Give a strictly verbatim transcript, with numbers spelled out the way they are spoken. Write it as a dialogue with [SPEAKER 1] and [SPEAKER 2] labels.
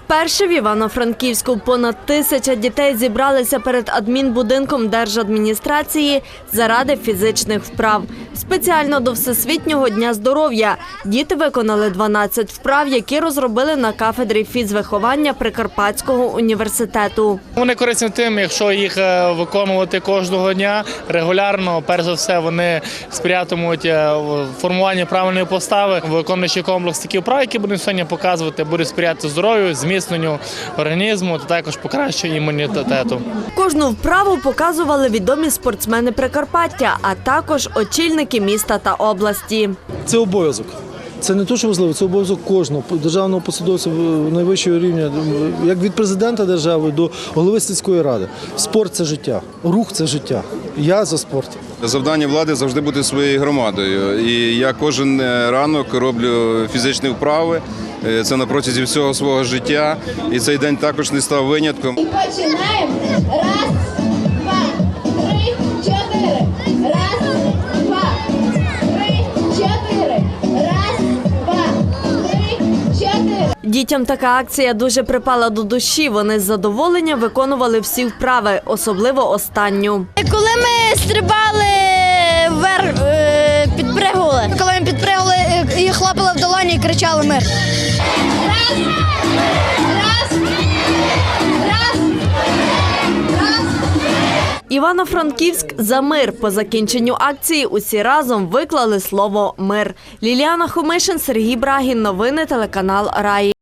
[SPEAKER 1] Вперше в Івано-Франківську понад тисяча дітей зібралися перед адмінбудинком держадміністрації заради фізичних вправ. Спеціально до Всесвітнього дня здоров'я діти виконали дванадцять вправ, які розробили на кафедрі фізвиховання Прикарпатського університету.
[SPEAKER 2] Вони корисні тим, якщо їх виконувати кожного дня регулярно, перш за все вони сприятимуть формуванню правильної постави, виконуючи комплекс таких вправ, які будемо сьогодні показувати, будуть сприяти здоров'ю, зміцненню організму та також покращенню імунітету.
[SPEAKER 1] Кожну вправу показували відомі спортсмени Прикарпаття, а також очільники міста та області.
[SPEAKER 3] Це обов'язок. Це не те, що важливо, це обов'язок кожного державного посадовця найвищого рівня, як від президента держави до голови сільської ради. Спорт – це життя, рух – це життя. Я за спорт.
[SPEAKER 4] Завдання влади – завжди бути своєю громадою. І я кожен ранок роблю фізичні вправи. Це на протязі всього свого життя. І цей день також не став винятком.
[SPEAKER 5] І починаємо. Раз, два, три, чотири. Раз, два, три, чотири. Раз, два, три, чотири.
[SPEAKER 1] Дітям така акція дуже припала до душі. Вони з задоволенням виконували всі вправи, особливо останню.
[SPEAKER 6] Коли ми стрибали вверх, підпригували. Коли ми підпригували і хлопали в долоні і кричали «Мир».
[SPEAKER 5] Раз, раз, раз, раз.
[SPEAKER 1] Івано-Франківськ за мир. По закінченню акції усі разом виклали слово «Мир». Ліліана Хомишин, Сергій Брагін. Новини телеканал Раї.